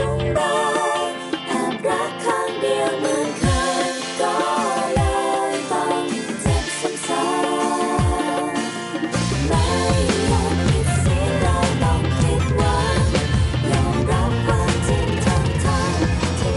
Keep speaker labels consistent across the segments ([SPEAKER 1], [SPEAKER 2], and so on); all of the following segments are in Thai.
[SPEAKER 1] ของเราแอบรักข้างเดียวเหมือนเคยก็เลยต้องเจ็บซ้ำๆไม่อยากคิดเสียดายต้องคิดว่ายอมรับความจริงทั้งที่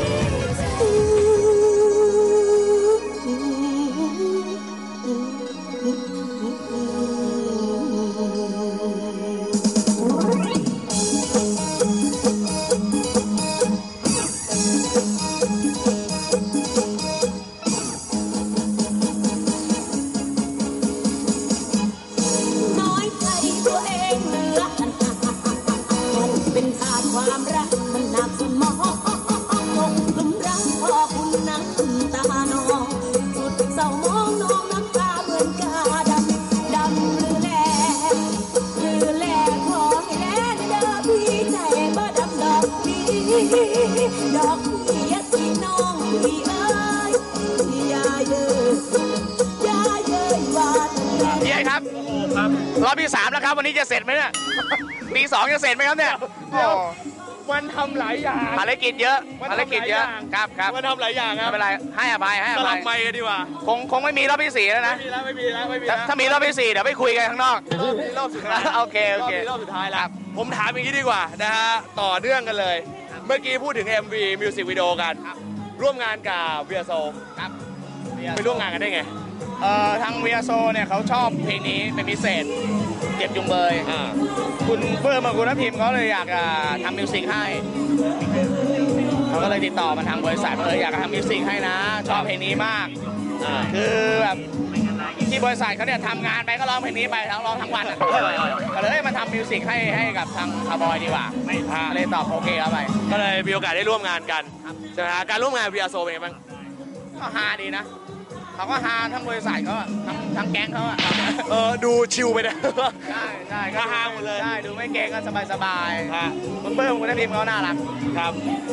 [SPEAKER 1] น้อยใจตัวเองเหลือเป็นขาดความรักมันหนักสมองคงกลุ่มรักพอคุณน้ำตาหนองสุดเศร้ามองน้องน้ำตาเหมือนกาดำหรือแลขอให้แลเด้อพี่ใจบ่ดำดอกพี่ที่น้องพี่เอ้ยอย่าเย้ยว่า
[SPEAKER 2] พี่ไอ้ครับรอบที่3แล้วครับวันนี้จะเสร็จไหมเนี่ยปี2จะเสร็จไหมครับเนี่ย
[SPEAKER 3] มันทำหลายอย่าง
[SPEAKER 2] ภารกิจเยอะครับ
[SPEAKER 3] มันทำหลายอย่างครับ
[SPEAKER 2] ไม่เป็นไรให้อภัย
[SPEAKER 3] สลับไมค์กันดีกว่า
[SPEAKER 2] คงไม่มีรอบที่4แล้วนะ
[SPEAKER 3] ไม่มีแล้ว
[SPEAKER 2] ถ้ามีรอบที่4เดี๋ยวไปคุยกันข้างนอก
[SPEAKER 3] รอบสุดท้าย
[SPEAKER 2] โอเค
[SPEAKER 3] รอบสุดท้ายแล้วผมถามอย่างนี้ดีกว่านะฮะต่อเนื่องกันเลยเมื่อกี้พูดถึง MV Music Video กันร่วมงานกับเวียโซ
[SPEAKER 2] ครับ
[SPEAKER 3] ไปร่วมงานกันได้ไง
[SPEAKER 2] ทางเวียโซเนี่ยเขาชอบเพลงนี้เป็นพิเศษเจ็บจุงเบยคุณเพิ่มมาคุณทัพทิมเขาเลยอยากทำมิวสิกให้เขาก็เลยติดต่อมาทางบริษัทอยากทำมิวสิกให้นะชอบเพลงนี้มากคือแบบที่บริษัทเขาเนี่ยทำงานไปก็ร้องเพลงนี้ไปร้องทั้งวันก็เลยมาทำมิวสิกให้กับทางคาร์บอยดีกว่าเลยตอบโอเคเข้าไป
[SPEAKER 3] ก็เลยมีโอกาสได้ร่วมงานกันใช่ไหมการร่วมงานเวียโซเป็นไงบ้าง
[SPEAKER 2] ก็ฮาดีนะเขาก็ฮาทั้งบริษัทเขาทั้งแก๊งเขา
[SPEAKER 3] ดูชิลไปนะ
[SPEAKER 2] ใช่
[SPEAKER 3] ก็ฮาหมดเลย
[SPEAKER 2] ใช่ดูไม่เก่งก็สบายคุณเบิ้มคุณทัพทิมเขาน่ารัก
[SPEAKER 3] ครับ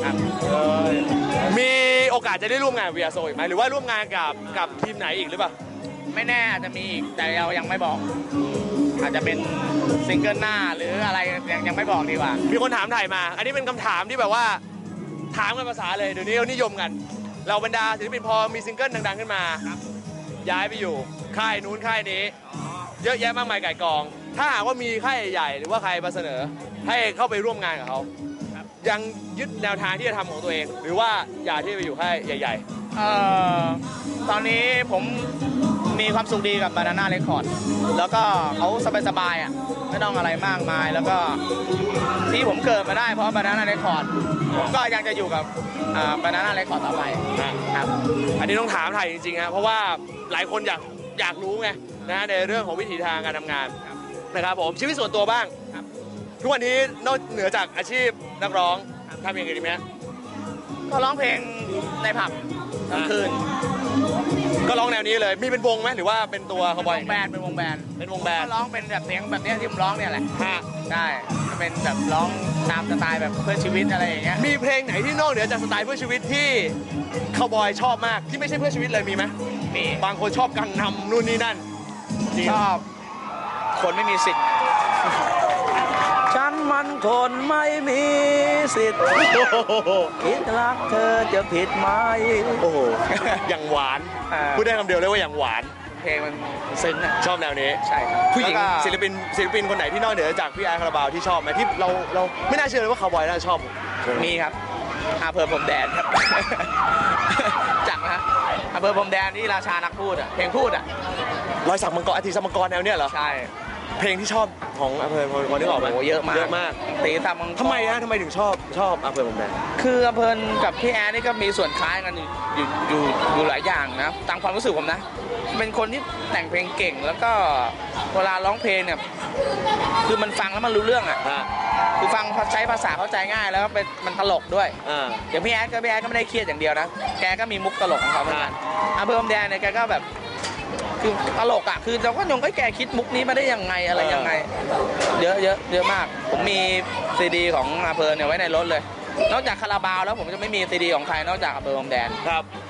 [SPEAKER 3] มีโอกาสจะได้ร่วมงานเวียโซอีกไหมหรือว่าร่วมงานกับทีมไหนอีกหรือเปล่า
[SPEAKER 2] ไม่แน่อาจจะมีอีกแต่เรายังไม่บอกอาจจะเป็นซิงเกิลหน้าหรืออะไรยังไม่บอกดีกว่า
[SPEAKER 3] มีคนถามถ่ายมาอันนี้เป็นคำถามที่แบบว่าถามกันภาษาเลยเดี๋ยวนี้เขานิยมกันเราบรรดาศิลปินพอมีซิงเกิลดังๆขึ้นมาย้ายไปอยู่ค่ายนู้นค่ายนี้เยอะแยะมากมายไก่กองถ้าหากว่ามีค่ายใหญ่หรือว่าใครมาเสนอให้เข้าไปร่วมงานกับเขายังยึดแนวทางที่จะทำของตัวเองหรือว่าอยากที่จะไปอยู่ค่ายใหญ่
[SPEAKER 2] ๆตอนนี้ผมมีความสุขดีกับบานาน่าเรคคอร์ดแล้วก็เขาสบายๆไม่ต้องอะไรมากมายแล้วก็ที่ผมเกิดมาได้เพราะบานาน่าเรคคอร์ดผมก็ยังจะอยู่กับบานาน่าเรคคอร์ดต่อไปครับ
[SPEAKER 3] อันนี้ต้องถามไทยจริงๆครับเพราะว่าหลายคนอยากรู้ไงนะในเรื่องของวิถีทางการทำงานนะครับผมชีวิตส่วนตัวบ้างทุกวันนี้นอกเหนือจากอาชีพนักร้องทำอย่างอื่นไหม
[SPEAKER 2] ก็ร้องเพลงในผับกลางคืน
[SPEAKER 3] ก็ร้องแนวนี้เลยมีเป็นวงไหมหรือว่าเป็นตัวคาร์บอย
[SPEAKER 2] เป็นวงแบนก็ร้องเป็นแบบเสียงแบบนี้ที่ผมร้องเนี่ยแหละได้เป็นแบบร้องตามสไตล์แบบเพื่อชีวิตอะไรอย่างเงี้ย
[SPEAKER 3] มีเพลงไหนที่นอกเหนือจากสไตล์เพื่อชีวิตที่คาร์บอยชอบมากที่ไม่ใช่เพื่อชีวิตเลยมีไหม
[SPEAKER 2] มี
[SPEAKER 3] บางคนชอบกังนำนู่นนี่นั่น
[SPEAKER 2] ชอบคนไม่มีสิทธิ์ฉันมันคนไม่มีสิทธิ์คิดรักเธอจะผิดไหม
[SPEAKER 3] โอ้โหอย่างหวานพูดได้คำเดียวเลยว่าอย่างหวาน
[SPEAKER 2] เพลงมัน
[SPEAKER 3] ซึ้งชอบแนวนี้
[SPEAKER 2] ใช่ครับ
[SPEAKER 3] ผู้หญิงศิลปินคนไหนที่นอกเหนือจากพี่ไอคาราบาวที่ชอบไหมที่เราไม่น่าเชื่อเลยว่าคาร์บอยน่าชอบ
[SPEAKER 2] มีครับเพิ่มผมแดนครับจังนะเพิ่มผมแดนนี่ราชานักพูดเพลงพูด
[SPEAKER 3] รอยสักมังกรอาทิตย์สักมังกรแนวเนี้ยเหรอ
[SPEAKER 2] ใช่
[SPEAKER 3] เพลงที่ชอบของอำเภอพอนึกออกไหม
[SPEAKER 2] เยอะมากตีตามมังกร
[SPEAKER 3] ทำไมถึงชอบอำเภอผมแดน
[SPEAKER 2] คืออำเภอกับพี่แอนนี่ก็มีส่วนคล้ายกันอยู่หลายอย่างนะตามความรู้สึกผมนะเป็นคนที่แต่งเพลงเก่งแล้วก็เวลาร้องเพลงเนี่ยคือมันฟังแล้วมันรู้เรื่องคือฟังใช้ภาษาเข้าใจง่ายแล้วมันตลกด้วยอย่างพี่แอนก็ไม่ได้เครียดอย่างเดียวนะแกก็มีมุกตลกของเขาเหมือนกันอำเภอผมแดนเนี่ยแกก็แบบคือตลกคือเราก็แกคิดมุกนี้มาได้ยังไงอะไรยังไงเยอะมากผมมีซีดีของอำเภอเนี่ยไว้ในรถเลยนอกจากคาราบาวแล้วผมจะไม่มีซีดีของใครนอกจากอำเภอผมแดน
[SPEAKER 3] ครับ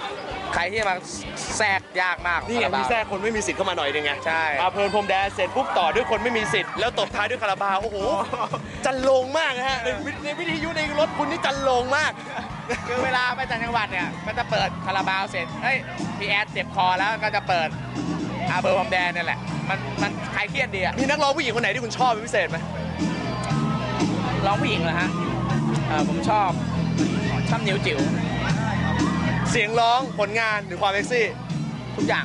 [SPEAKER 2] ใครที่มาแทรกยากมาก
[SPEAKER 3] นี่ไง
[SPEAKER 2] คาราบา
[SPEAKER 3] มี
[SPEAKER 2] ว
[SPEAKER 3] แทรกคนไม่มีสิทธิ์เข้ามาหน่อยนึงไง
[SPEAKER 2] ใช่
[SPEAKER 3] เพลินพรมแดนเสร็จปุ๊บต่อด้วยคนไม่มีสิทธิ์แล้วตบท้ายด้วยคาราบาวโอ้โหจันโลงมากนะฮะในวิทยุในรถคุณนี่จันโลงมาก
[SPEAKER 2] คือเวลาไปต่างจังหวัดเนี่ยก็จะเปิดคาราบาวเสร็จเฮ้ยพี่แอดเจ็บคอแล้วก็จะเปิดอาเบอร์พรมแดนนี่แหละมันคลายเครียดดีอะ
[SPEAKER 3] มีนักร้องผู้หญิงคนไหนที่คุณชอบเป็นพิเศษไหม
[SPEAKER 2] ร้องผู้หญิงเหรอฮะผมชอบนิ้วจิ๋ว
[SPEAKER 3] เสียงร้องผลงานหรือความเซ็กซี่
[SPEAKER 2] ทุกอย่าง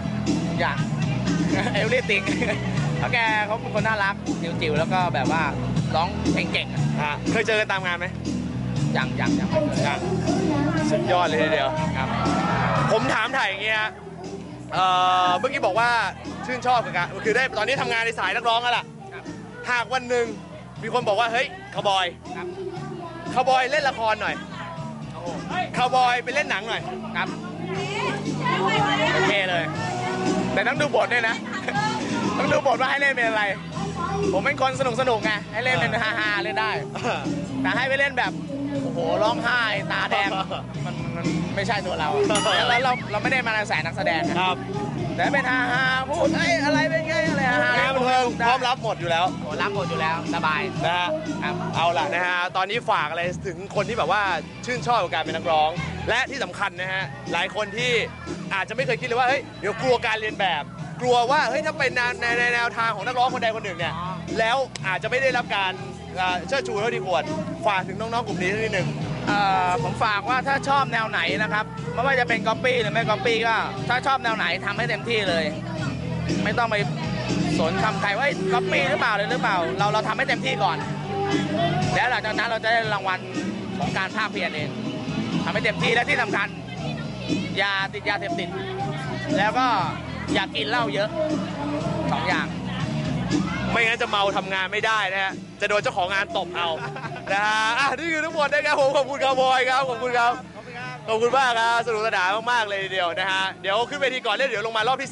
[SPEAKER 2] เอลลี่ติงเพราะแกเขาเป็นคนน่ารักนิ้วจิ๋วแล้วก็แบบว่าร้องเพลงเก่งอะ
[SPEAKER 3] เคยเจอกันตามงานไหม
[SPEAKER 2] ยังไม่เคย
[SPEAKER 3] ยังสุดยอดเลยทีเดียว
[SPEAKER 2] ครับ
[SPEAKER 3] ผมถามถ่ายอย่างเงี้ยเมื่อกี้บอกว่าชื่นชอบกับการคือได้ตอนนี้ทำงานในสายนักร้องแล้วล่ะ
[SPEAKER 2] ครับ
[SPEAKER 3] หากวันหนึ่งมีคนบอกว่าเฮ้ยคาวบอย
[SPEAKER 2] ครับ
[SPEAKER 3] คาวบอยเล่นละครหน่อย
[SPEAKER 2] โอ้โห
[SPEAKER 3] คาวบอยไปเล่นหนังหน่อย
[SPEAKER 2] ครับโอเคเลย แต่ต้องดูบทด้วยนะ ต้องดูบทว่าให้เล่นเป็นอะไร ผมเป็นคนสนุกไงให้เล่นเป็นฮาๆเล่นได้ แต่ให้ไปเล่นแบบโอ้โหร้องไห้ตาแดงมันไม่ใช่ตัวเราแล้วเราไม่ได้มาในสายนักแสดงนะครับ แต่เป็นฮาๆพูดเอ้ยอะไรเป็นไงอะไรฮาๆ
[SPEAKER 3] งานบันเทิงพร้อมรับหมดอยู่แล้ว
[SPEAKER 2] โอ้รับหมดอยู่แล้วสบาย
[SPEAKER 3] นะฮะ
[SPEAKER 2] ครับ
[SPEAKER 3] เอาล่ะนะฮะตอนนี้ฝากอะไรถึงคนที่แบบว่าชื่นชอบกับการเป็นนักร้อง และที่สำคัญนะฮะหลายคนที่อาจจะไม่เคยคิดเลยว่าเฮ้ยเดี๋ยวกลัวการเรียนแบบ กลัวว่าเฮ้ยถ้าเป็นในแนวทางของนักร้องคนใดคนหนึ่งเนี่ยแล้วอาจจะไม่ได้รับการเชิดชูเท่าที่ควรฝากถึงน้องๆกลุ่มนี้นิดนึง
[SPEAKER 2] ผมฝากว่าถ้าชอบแนวไหนนะครับไม่ว่าจะเป็นก๊อปปี้หรือไม่ก๊อปปี้ก็ถ้าชอบแนวไหนทำให้เต็มที่เลย ไม่ต้องไปสนคำใครว่าก๊อปปี้หรือเปล่าเลยหรือเปล่าเราทำให้เต็มที่ก่อน แล้วหลังจากนั้นเราจะได้รางวัลของการภาคเพียรเองทำให้เต็มที่และที่สำคัญอย่าติดยาเสพติดแล้วก็อย่ากินเหล้าเยอะสองอย่าง
[SPEAKER 3] ไม่งั้นจะเมาทำงานไม่ได้นะฮะ จะโดนเจ้าของงานตบเอา นะฮะนี่คือทั้งหมดนะครับผมขอบคุณครับบอยครับขอบคุณครับขอบคุณมากครับสนุกสนานมากๆเลยทีเดียวนะฮะเดี๋ยวขึ้นเวทีก่อนเล่นเดี๋ยวลงมารอบที่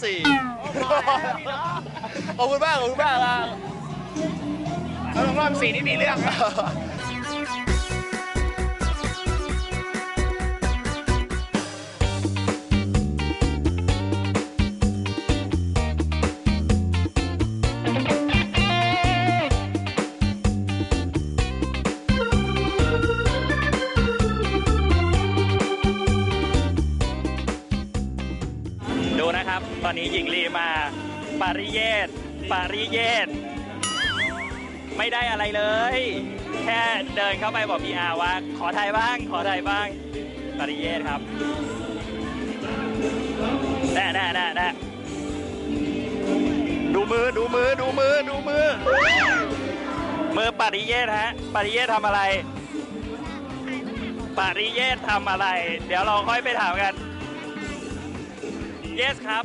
[SPEAKER 3] 4 ขอบคุณมากครับ
[SPEAKER 2] แล้วรอบ4นี่มีเรื่อง
[SPEAKER 4] ดูนะครับ ตอนนี้หญิงลีมาปาริเยตไม่ได้อะไรเลย แค่เดินเข้าไปบอกพี่อาว่าขอถ่ายบ้างปาริเยตครับแน่ดูมือมือปาริเยตฮะปาริเยตทำอะไร เดี๋ยวเราค่อยไปถามกัน Yes ครับ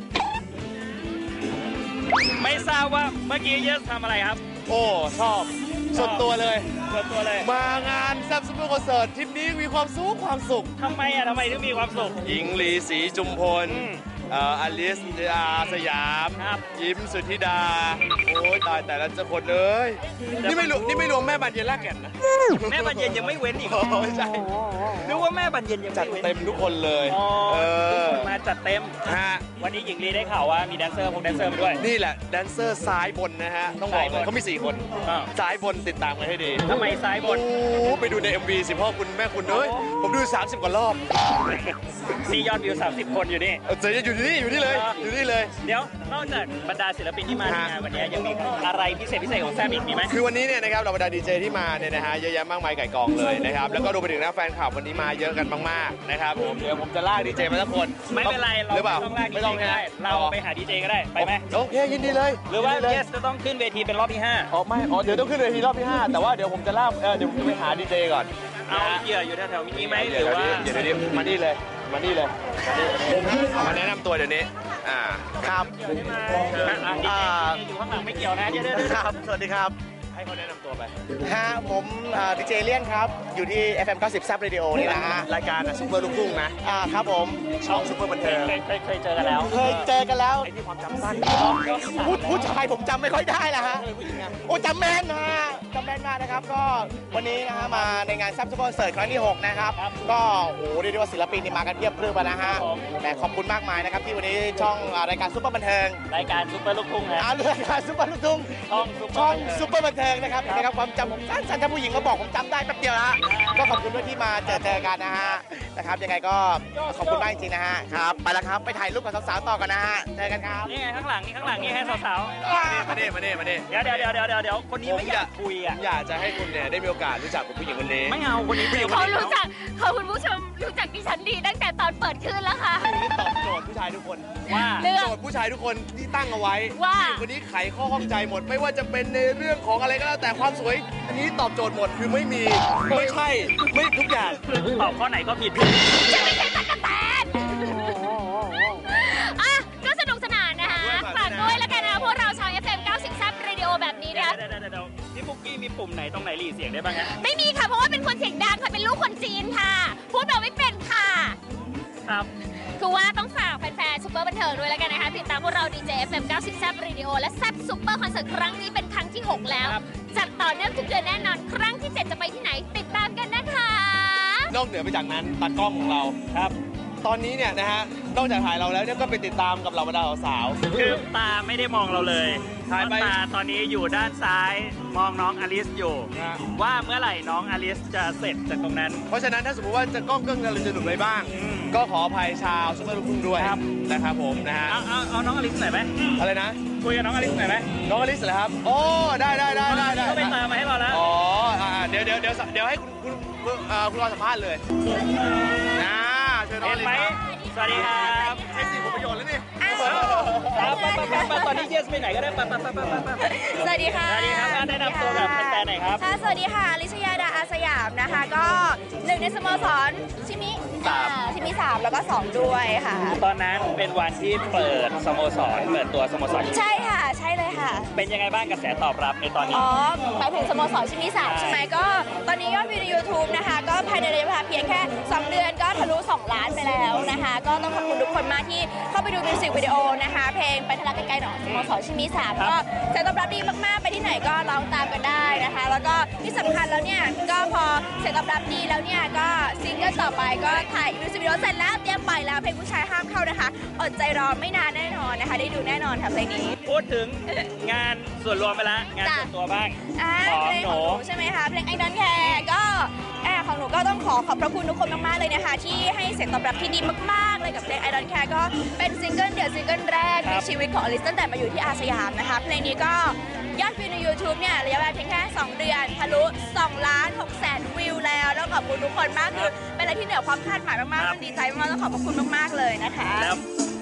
[SPEAKER 4] ไม่ทราบว่าเมื่อกี้ Yes ทำอะไรครับ
[SPEAKER 3] โอ้ชอบสุดตัวเลย
[SPEAKER 4] ม
[SPEAKER 3] างานแซ่บซุปเปอร์คอนเสิร์ตทริปนี้มีความสุข
[SPEAKER 4] ทำไมถึงมีความสุข
[SPEAKER 3] หญิงลีศรีจุมพลอลิสสยาม
[SPEAKER 4] ครับ
[SPEAKER 3] ยิ้มสุทธิดา โอ้ยตายแต่ละคนเลย นี่ไม่รวมแม่บานเย็นลากแก่นนะ
[SPEAKER 4] แม่บรรเย็นยังไม่เว้นอีกเหรอ
[SPEAKER 3] ไม่ใช่
[SPEAKER 4] นึกว่าแม่บรรเย็นยัง
[SPEAKER 3] จัด
[SPEAKER 4] ไม่เว้น
[SPEAKER 3] เต็มทุกคนเลย
[SPEAKER 4] อ๋อ ทุกคนมาจัดเต็ม
[SPEAKER 3] ฮะ
[SPEAKER 4] วันนี้หญิงลีได้ข่าวว่ามีแดนเซอร์มาด้วย
[SPEAKER 3] นี่แหละแดนเซอร์ซ้ายบนนะฮะ ต้องบอกเลยเขามี 4 คน
[SPEAKER 4] อ่า
[SPEAKER 3] ซ้ายบนติดตามกันให้ดี
[SPEAKER 4] ทำไมซ้ายบน
[SPEAKER 3] โอ้ไปดูใน MV สิพ่อคุณแม่คุณเอ้ยผมดู 30 กว่ารอบ
[SPEAKER 4] มียอดวิว 30 คนอยู่นี่
[SPEAKER 3] เจออยู่นี่เลย
[SPEAKER 4] เดี๋ยวนอกจากบรรดาศิลปินที่มาในงานวันนี้ยังมีอะไรพิเศษของแซมอีกมีไหม
[SPEAKER 3] คือวันนี้เนี่ยนะครับเราบรรดาดีเจที่มาเนี่ยนะฮะเยอะแยะมากมายไก่กองเลยนะครับแล้วก็รวมไปถึงนะแฟนคลับวันนี้มาเยอะกันมากๆนะครับผมเดี๋ยวผมจะลากดีเจมาสักคน
[SPEAKER 4] ไม่เป็นไร เรา
[SPEAKER 3] หรือเปล่า
[SPEAKER 4] ไม่ต้องลากดีเจก็ได้ เราไปหาดีเจก็ได้ ไปไหม
[SPEAKER 3] โอเคยินดีเลย
[SPEAKER 4] หรือว่า
[SPEAKER 3] ยินดีเลย
[SPEAKER 4] Yes จะต้องขึ้นเวทีเป็นรอบที่
[SPEAKER 3] อ๋อไม่เดี๋ยวต้องขึ้นเวทีรอบที่ 5 แต่ว่าเดี๋ยวผมจะลากเดี๋ยวผมจะไปหาดีเจก่อน
[SPEAKER 4] 5 เอาเหยื่ออยู่แถวๆนี้ไหมห
[SPEAKER 3] เดี๋ยว
[SPEAKER 4] รือว่า
[SPEAKER 3] เดี๋ยวมานี่เลยมาแนะนำตัวเดี๋ยวนี้ครับ
[SPEAKER 4] ดีเจอยู่ข้างหลังไม่เกี่ยวนะเดี๋ยว
[SPEAKER 3] ครับสวัสดีครับให้เขาแนะนำตัวไป
[SPEAKER 5] ผมดีเจเลียนครับ อยู่ที่ FM 90 Zap Radio นี่นะฮะ
[SPEAKER 3] รายการซุปเปอร์ลูกทุ่งนะ
[SPEAKER 5] ครับผม
[SPEAKER 3] ช่องซุปเปอร์บันเทิง
[SPEAKER 4] เคยเจอกันแล้ว
[SPEAKER 5] เคยเจอกันแล้ว
[SPEAKER 3] ไอ้ที่ความจำสั้น
[SPEAKER 5] ผู้ชายผมจำไม่ค่อยได้ละฮะโอ้จำแม่นนะฮะจำแม่นมากนะครับก็วันนี้นะฮะมาในงานแซ่บซุปเปอร์คอนเสิร์ตครั้งที่ 6 นะครับ ก็โอ้โหเรียกได้ว่าศิลปินนี่มากันเพียบพรึบนะฮะแต่ขอบคุณมากมายนะครับที่วันนี้ช่องรายการซุปเปอร์บันเทิง
[SPEAKER 4] รายการซุปเปอร์ลูกทุ่งนะ
[SPEAKER 5] รายการซุปเปอร์ลูกทุ่ง
[SPEAKER 4] ช่องซุปเปอร์
[SPEAKER 5] ซุปเปอร์บันเทิงนะครับนะครับความจำผมสั้นๆถ้าผู้หญิงมาบอกผมจำได้แป๊บเดียวละก็ขอบคุณด้วยที่มาเจอกันนะฮะนะครับยังไงก็ขอบคุณมากจริงๆนะฮะครับไปแล้วครับไปถ่ายรูปกับสาวๆต่อกันนะฮะเจอกันครับ
[SPEAKER 4] นี่ไงข้างหลังนี่ให้สาว
[SPEAKER 3] มาเนี่ย
[SPEAKER 4] ๆเดี๋ยวคนนี้ไม่อยากคุยอ่ะ
[SPEAKER 3] อยากจะให้คุณเนี่ยได้มีโอกาสรู้จักกับผู้หญิงคนนี้
[SPEAKER 4] ไม่เอาคนนี้ผู้หญิงคน
[SPEAKER 6] เขา
[SPEAKER 4] นี้
[SPEAKER 6] รู้จักเขาคุณผู้ชมรู้จักดิฉันดีตั้งแต่ตอนเปิดคลื่นแล้วค่ะ
[SPEAKER 3] ผู้หญิงที่ตอบโจทย์ผู้ชายทุกคน
[SPEAKER 4] ว่า
[SPEAKER 6] เรื่อง
[SPEAKER 3] โจทย์ผู้ชายทุกคนที่ตั้งเอาไว้
[SPEAKER 6] ว่า
[SPEAKER 3] ผู้หญิงคนนี้ไขข้อข้องใจหมด ไม่ว่าจะเป็นในเรื่องของอะไรก็แล้วแต่ความสวย อันนี้ตอบโจทย์หมดคือไม่มีไม่ใช่ไม่ทุกอย่าง
[SPEAKER 4] ตอบข้อไหนก็ผิด
[SPEAKER 6] จะไม่ใช่ตั๊กแตนอ่ะก็สนุกสนานนะคะฝากด้วยแล้วกันนะพวกเราชาว FM 90 ซับเรดิโอแบบนี้นะคะ
[SPEAKER 4] เดี๋ยวพี่ปุ๊กกี้มีปุ่มไหนตรงไหนหลีเสียงได้บ้างฮะ
[SPEAKER 6] ไม่มีค่ะเพราะว่าเป็นคนเสียงดังค่ะเป็นลูกคนจีนค่ะ พูดแบบไม่เป็นค่ะ
[SPEAKER 4] ครับ
[SPEAKER 6] คือว่าต้องฝากแฟนๆซุปเปอร์บันเทิงด้วยแล้วกันนะคะติดตามพวกเรา DJ FM 90 ซับเรดิโอและแซบซุปเปอร์คอนเสิร์ตครั้งนี้เป็นครั้งที่ 6 แล้ว จัดต่อเนื่องทุกเดือนแน่นอนครั้งที่ 7 จะไปที่ไหนติดตามกันนะคะ
[SPEAKER 3] นอกเหนือไปจากนั้นตากล้องของเราครับ ตอนนี้เนี่ยนะฮะนอกจากถ่ายเราแล้วเนี่ยก็ไปติดตามกับเหล่าบรรดาสาว
[SPEAKER 4] คือตาไม่ได้มองเราเลย
[SPEAKER 3] ถ่ายไป
[SPEAKER 4] ตาตอนนี้อยู่ด้านซ้ายมองน้องอลิสอยู่
[SPEAKER 3] ฮะ
[SPEAKER 4] ว่าเมื่อไหร่น้องอลิสจะเสร็จจากตรงนั้น
[SPEAKER 3] เพราะฉะนั้นถ้าสมมติว่าจะกล้องเกิ้งอะไรจะหลุดไปบ้าง ก็ขออภัยชาวซุปเปอร์ลูกทุ่งด้วย
[SPEAKER 4] ครับ
[SPEAKER 3] นะครับผมนะฮะ
[SPEAKER 4] เอาน้องอลิสหน่อยไหม
[SPEAKER 3] อะไรนะ
[SPEAKER 4] คุยกับน้องอลิสหน่อยไหม
[SPEAKER 3] น้องอลิสเหรอครับโอ้ได้
[SPEAKER 4] ก็ไปตามมาให้เราแล้ว
[SPEAKER 3] อ๋อเดี๋ยวให้คุณรอสัมภาษณ์เลยนะเชิญน้องอ
[SPEAKER 4] เห็น
[SPEAKER 3] ลิส
[SPEAKER 4] ไหม
[SPEAKER 3] ครับ
[SPEAKER 4] สวัสดีครับ
[SPEAKER 3] ใช้สิทธิ์ผลประโยชน์แล้วนี่
[SPEAKER 4] ไปตอนนี้เยสไปไหนก็ได้ไป
[SPEAKER 7] สวัสดีค่ะ
[SPEAKER 4] สวัสดีครับแนะนำตัวกับแฟนๆหน่อยครับ
[SPEAKER 7] ค่ะ สวัสดีค่ะ ลิชยาดาอาสยามนะคะ ก็หนึ่งในสโมสรชิมิชิมิ3แล้วก็ 2 ด้วยค่ะ
[SPEAKER 4] ตอนนั้นเป็นวันที่เปิดสโมสรเปิดตัวสโมสร
[SPEAKER 7] ใช่ค่ะ ใช่เลยค่ะ
[SPEAKER 4] เป็นยังไงบ้างกระแสตอบรับในตอนนี้
[SPEAKER 7] อ๋อหมายถึงสโมสรชิมิ3ใช่ไหมก็ตอนนี้ยอดวิวใน YouTube นะคะ ก็ภายในระยะเวลาเพียงแค่ 2 เดือนก็ทะลุ 2 ล้านไปแล้วนะคะ ก็ต้องขอบคุณทุกคนมากที่เข้าไปดูมิวสิกวิดีโอนะคะ เพลงไปทะลักไกลๆหนองสโมสรชิมิ3ก็เสียงตอบรับดีมากๆ ไปที่ไหนก็ร้องตามกันได้นะคะ แล้วก็ที่สำคัญแล้วเนี่ยก็พอเสียงตอบรับดีแล้วเนี่ยก็ซิงเกิลต่อไปก็ถ่ายมิวสิกวิดีโอเสร็จแล้วเตรียมปล่อยแล้วเพลงผู้ชายห้ามเข้านะคะอดใจรอไม่นานแน่นอนนะคะ ได้ดูแน่นอนค่ะเพลงนี้
[SPEAKER 4] พูดถึงงานส่วนรวมไปแล้วงานส่วนตัวบ้าง
[SPEAKER 7] เพลงของหนูใช่ไหมคะเพลงไอ้นั้นแคร์ก็ของหนูก็ต้องขอบพระคุณทุกคนมากๆเลยนะคะที่ให้เสียงตอบรับที่ดีมากๆเลยกับเพลง I Don't Care ก็เป็นซิงเกิลเดี่ยวซิงเกิลแรกในชีวิตของอลิสตั้งแต่มาอยู่ที่อาสยามนะคะเพลงนี้ก็ยอดวิวใน YouTube เนี่ยระยะเวลาเพียงแค่ 2 เดือนทะลุ2 ล้าน 6 แสนวิวแล้วแล้วขอบคุณทุกคนมากคือเป็นอะไรที่เหนือความคาดหมายมากๆดีใจมากๆต้องขอบพระคุณมากๆเลยนะคะ
[SPEAKER 4] แล้ว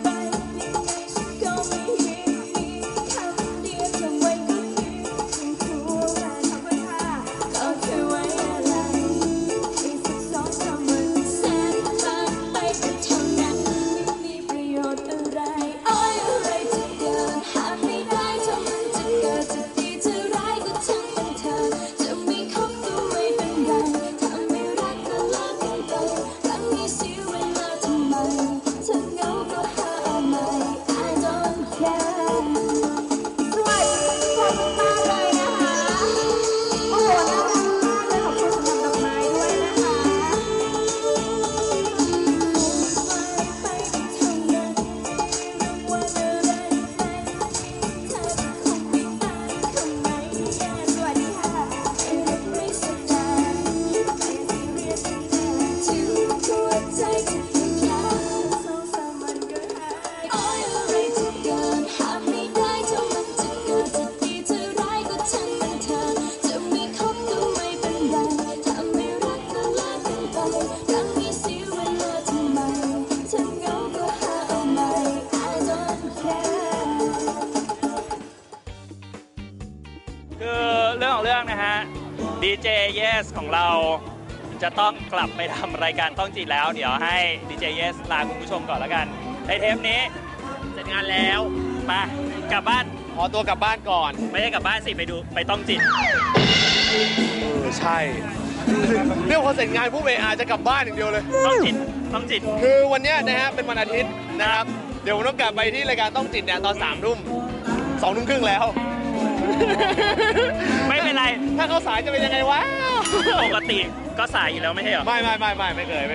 [SPEAKER 4] คือเรื่องของเรื่องนะฮะ DJ Yes ของเราจะต้องกลับไปทำรายการต้องจิตแล้ว เดี๋ยวให้ DJ Yes ลาคุณผู้ชมก่อนแล้วกันในเทปนี้เสร็จงานแล้วมากลับบ้าน
[SPEAKER 3] ขอตัวกลับบ้านก่อน
[SPEAKER 4] ไม่ได้กลับบ้านสิไปต้องจิต
[SPEAKER 3] ใช่เรื่องพอเสร็จงานผู้เออาจจะกลับบ้านอย่างเดียวเลย
[SPEAKER 4] ต้องจิต
[SPEAKER 3] คือวันเนี้ยนะฮะเป็นวันอาทิตย์นะครับ เดี๋ยวผมต้องกลับไปที่รายการต้องจิตเนี่ยตอน3 ทุ่ม 2 ทุ่มครึ่งแล้ว
[SPEAKER 4] ไม่เป็นไร
[SPEAKER 3] ถ้าเขาสายจะเป็นยังไงวะ
[SPEAKER 4] ปกติก็สายอยู่แล้วไม่ใช่เหรอ
[SPEAKER 3] ไม่เคย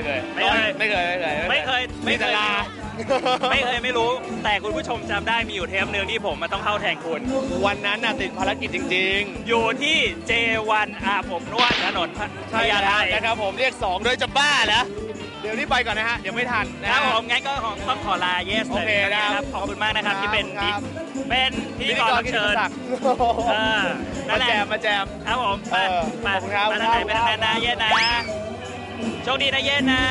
[SPEAKER 3] มีแต่ลา
[SPEAKER 4] ไม่เคยไม่รู้ แต่คุณผู้ชมจำได้มีอยู่เทปหนึ่งที่ผมมาต้องเข้าแทนคุณ
[SPEAKER 3] วันนั้นน่ะติดภารกิจจริง
[SPEAKER 4] อยู่ที่ J1 อาบอบนวดถนน
[SPEAKER 3] ๆ
[SPEAKER 4] พญาไท
[SPEAKER 3] นะครับผมเรียก2โดยจะบ้าแล้วเดี๋ยวนี้ไปก่อนนะฮะเดี๋ยวไม่ทันนะ
[SPEAKER 4] ค
[SPEAKER 3] ฮะ
[SPEAKER 4] รับผมงั้นก็ต้องขอลาเยส
[SPEAKER 3] โอเค
[SPEAKER 4] เลยนะครับขอบคุณมากนะครับที่เป็น
[SPEAKER 3] ครับ
[SPEAKER 4] พิธีกรรับเชิญ นั่นแหละ
[SPEAKER 3] มาแจม
[SPEAKER 4] ครับผมไป
[SPEAKER 3] ขอบคุณครับ
[SPEAKER 4] มาทางไหนไปทางนั้นนะเย็นนะโชคดีนะเย็นนะ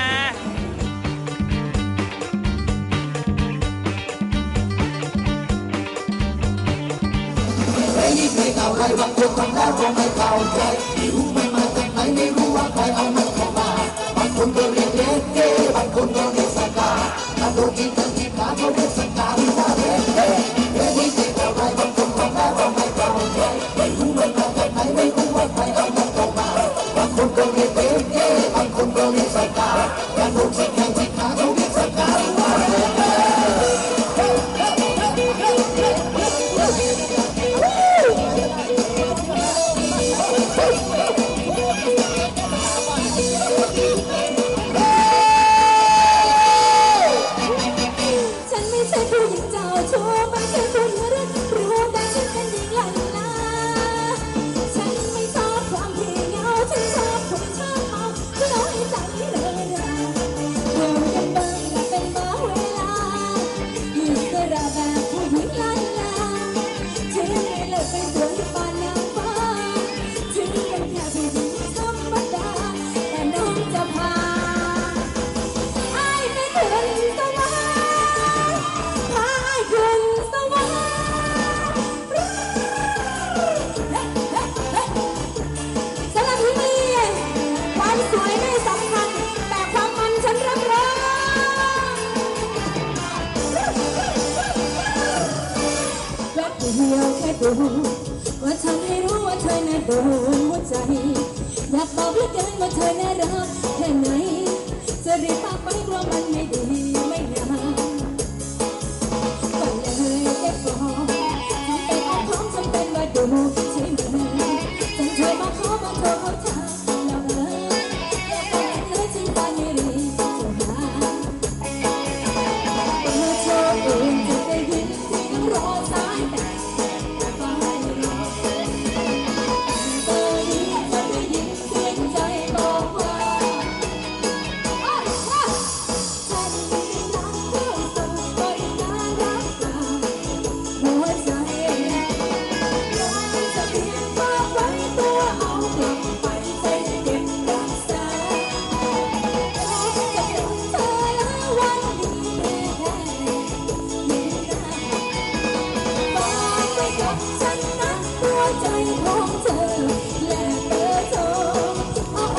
[SPEAKER 1] ฉันไม่ใช่ผู้หญิงเจ้าชู้ไม่ใช่ผู้หญิงรักรู้แต่ฉันเป็นหญิงลันลาฉันไม่ชอบความเพียงเหงาฉันชอบคนชอบเมาที่น้อยใจเลยราเดี๋ยวยังเบิ่งและเป็นบ้าเวลาอิสระแบบผู้หญิงลันลาถึงไม่เลิกเป็นสวยปานนางฟ้าถึงเป็นแค่ผู้หญิงธรรมดาแต่น้องจะพาไอ้ไปถึงสวรรค์พาไอ้ขึ้นสวรรค์สำหรับที่นี่ความสวยไม่สำคัญแต่ความมันฉันรับรองแวบเดียวแค่ดูว่าทำให้รู้ว่าเธอน่าโดนหัวใจอยากบอกเหลือเกินว่าเธอน่ารักแค่ไหนจะรีบพาไปเพราะมันไม่ดีไม่งามก็เลยเก็บบอกทำเป็นอ้อมค้อมทำเป็นว่าดูใช่ไหมจนเธอมาขอมาโทรเขาทางแล้วอย่าบอกเลยฉันตอนนี้รีบจะหาเปิดโชว์เองจะได้ยินเสียงรอสายแต่ก็ให้รอเบอร์นี้จะได้ยินเสียงใจบอกว่าฉันไม่รักเธอส่งไปน่ารักกว่าหัวใจอยากจะเพียงฝากไว้ตัวเอากลับไปใจเก็บรักษาแล้วจะเจอเธอแล้ววันนี้แค่นี้นะฝากไว้กับฉันนะหัวใจของเธอและเบอร์โทรเบอ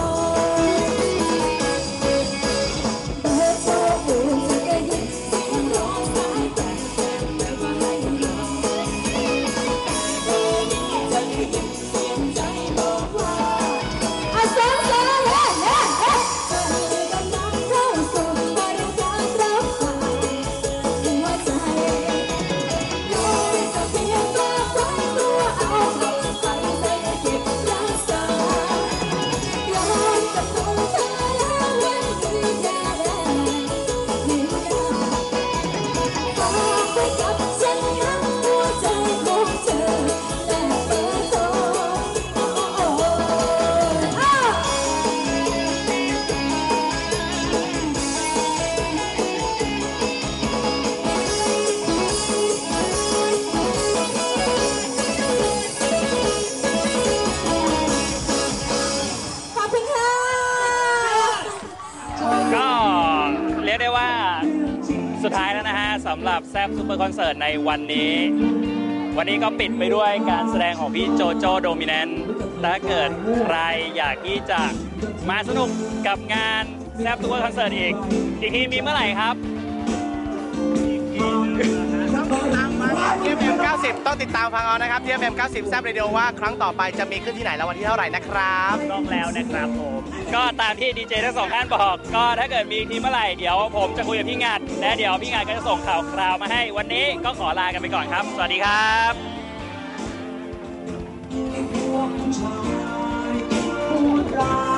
[SPEAKER 1] ร์โทรเองจะได้ยินเสียงร้องสายแต่ก็ให้รอเบอร์นี้จะได้ยินเสียงใจบอกว่าเสียงเธอเล่เล่เล่เธอกำลังเข้าสู่บริการรับฝากหัวใจเลยจะเพียงฝากไว้ตัวเอากลับไปใจเก็บรักษาย้อนกับตัวเธอแล้ววันที่จะได้เห็นหน้าฝากไว้กับฉันนะหัวใจของเธอและเบอร์โทรขอบคุณค่ะ
[SPEAKER 4] ก็เรียกได้ว่าสุดท้ายแล้วนะฮะสำหรับแซฟซูเปอร์คอนเสิร์ตในวันนี้ วันนี้ก็ปิดไปด้วยการแสดงของพี่โจโจโดมิแนนต์ถ้าเกิดใครอยากที่จะมาสนุกกับงานแซฟซูเปอร์คอนเสิร์ตอีกทีมีเมื่อไหร่ครับ
[SPEAKER 5] TFM 90 ต้องติดตามฟังเอานะครับ TFM 90 แซบเรดิโอว่าครั้งต่อไปจะมีขึ้นที่ไหนแล้ววันที่เท่าไหร่นะครับ
[SPEAKER 4] ต้องแล้วนะครับผมก็ตามที่ดีเจทั้งสองท่านบอกก็ถ้าเกิดมีทีเมื่อไหร่เดี๋ยวผมจะคุยกับพี่งัดและเดี๋ยวพี่งัดก็จะส่งข่าวคราวมาให้วันนี้ก็ขอลากันไปก่อนครับ สวัสดีครับ
[SPEAKER 1] พูดรั